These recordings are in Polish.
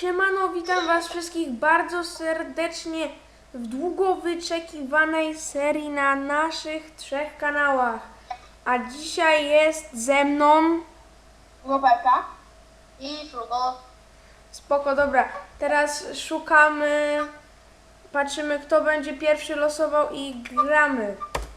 Siemano, witam was wszystkich bardzo serdecznie w długo wyczekiwanej serii na naszych 3 kanałach. A dzisiaj jest ze mną... Roberta i Frugo. Spoko, dobra. Teraz szukamy, patrzymy kto będzie pierwszy losował i gramy.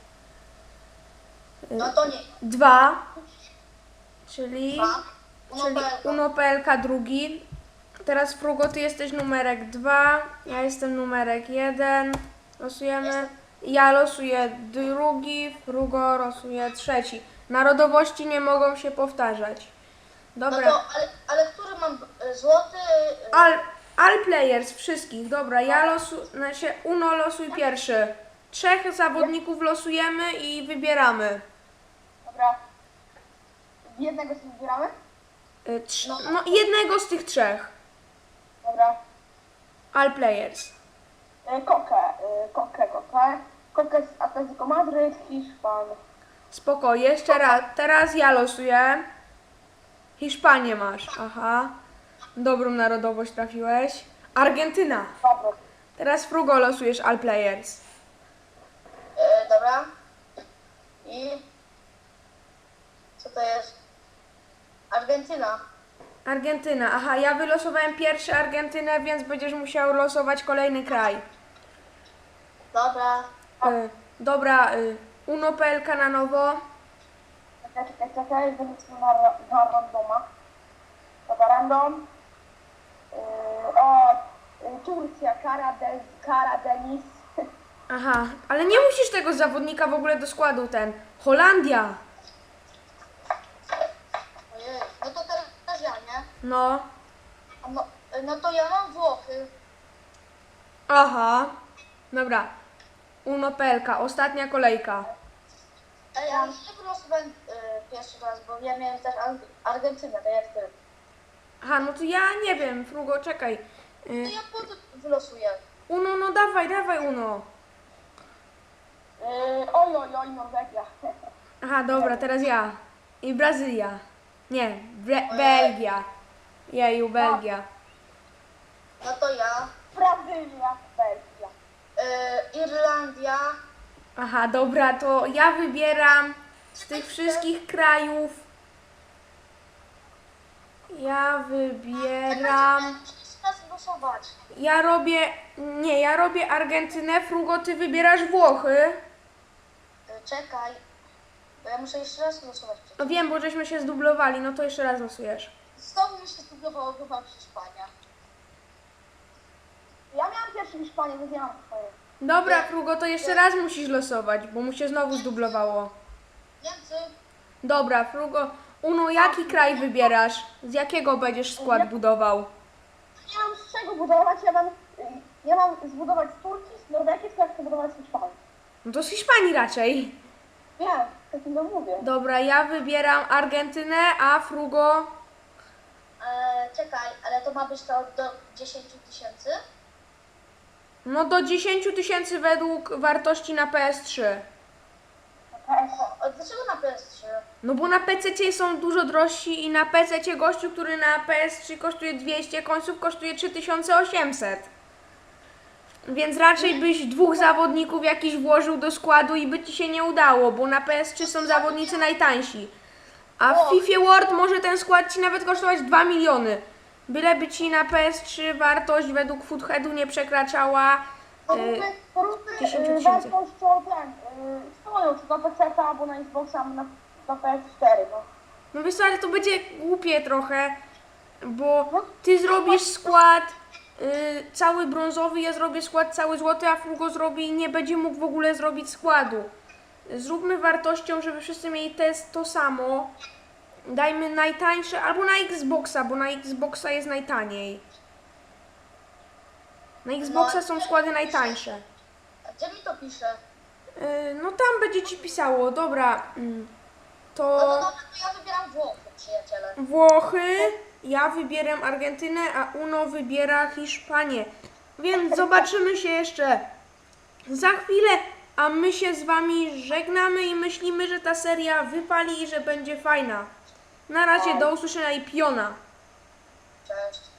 No to nie. 2, czyli Uno.pl. Uno.pl drugi. Teraz Frugo, ty jesteś numerek 2, ja jestem numerek 1. Losujemy. Ja losuję drugi, Frugo losuje trzeci. Narodowości nie mogą się powtarzać. No Dobra. to, ale który mam złoty? All players, wszystkich. Dobra, ja znaczy Uno losuj pierwszy. 3 zawodników losujemy i wybieramy. Dobra. Jednego sobie wybieramy? No jednego z tych 3. Dobra. All players. Kokę z Atletico Madryt, Hiszpan. Spoko, jeszcze raz. Teraz ja losuję. Hiszpanię masz. Aha. Dobrą narodowość trafiłeś. Argentyna. Dobra. Teraz Frugo losujesz all players. Dobra. I co to jest? Argentyna. Argentyna. Aha, ja wylosowałem pierwszy Argentynę, więc będziesz musiał losować kolejny kraj. Dobra. Dobra, Uno.pl na nowo. Czekaj, będę sobie na randoma. Dobra, random. Turcja, Karadeniz. Aha, ale nie musisz tego zawodnika w ogóle do składu Holandia. Ojej, no to teraz ja, nie? No. No to ja mam Włochy. Aha. Dobra. Uno.pl, ostatnia kolejka. Ej, ale nie wylosowałem pierwszy raz, bo ja miałem też Argentynę, tak jak ty. Aha, no to ja nie wiem, Frugo, czekaj. To ja potem wylosuję. Uno, no dawaj Uno. Oj, Norwegia. Aha, dobra, teraz ja. I Brazylia. Nie, Belgia. Jeju, Belgia. No to ja. Brazylia, Belgia. Irlandia. Aha, dobra, to ja wybieram z tych wszystkich krajów. Ja wybieram... Muszę raz głosować. Ja robię Argentynę, Frugo, ty wybierasz Włochy. Czekaj, bo ja muszę jeszcze raz głosować. No wiem, bo żeśmy się zdublowali, no to jeszcze raz losujesz. Znowu mi się spróbowało chyba Hiszpania. Ja miałam pierwszy Hiszpanię, więc ja mam Hiszpanię. Dobra, Frugo, to jeszcze raz musisz losować, bo mu się znowu zdublowało. Niemcy. Dobra, Frugo, Uno, jaki kraj wybierasz? Z jakiego będziesz skład budował? Nie mam z czego budować, ja mam zbudować z Turcji, z Norwegii, tylko ja chcę budować z Hiszpanii. No to z Hiszpanii raczej. Wiem, takim to mówię. Dobra, ja wybieram Argentynę, a Frugo... Czekaj, ale to ma być to do 10 000? No do 10 000 według wartości na PS3. A dlaczego na PS3? No bo na PC są dużo drożsi i na PC gościu, który na PS3 kosztuje 200 końców, kosztuje 3800. Więc raczej byś 2 zawodników jakiś włożył do składu i by ci się nie udało, bo na PS3 są zawodnicy najtańsi. A w FIFA World może ten skład ci nawet kosztować 2 miliony. Byleby ci na PS3 wartość według Footheadu nie przekraczała 10 000. wartością swoją, czy na PC albo na Xboxa, albo na PS4, no. No wiesz co, ale to będzie głupie trochę, bo ty zrobisz skład cały brązowy, ja zrobię skład cały złoty, a Frugo zrobi i nie będzie mógł w ogóle zrobić składu. Zróbmy wartością, żeby wszyscy mieli to samo. Dajmy najtańsze, albo na Xboxa, bo na Xboxa jest najtaniej. Na Xboxa są składy najtańsze. A gdzie mi to pisze? No tam będzie ci pisało, dobra. No to dobra, to ja wybieram Włochy, przyjaciele. Włochy, ja wybieram Argentynę, a Uno wybiera Hiszpanię. Więc zobaczymy się jeszcze za chwilę, a my się z wami żegnamy i myślimy, że ta seria wypali i że będzie fajna. Na razie, do usłyszenia i piona. Cześć.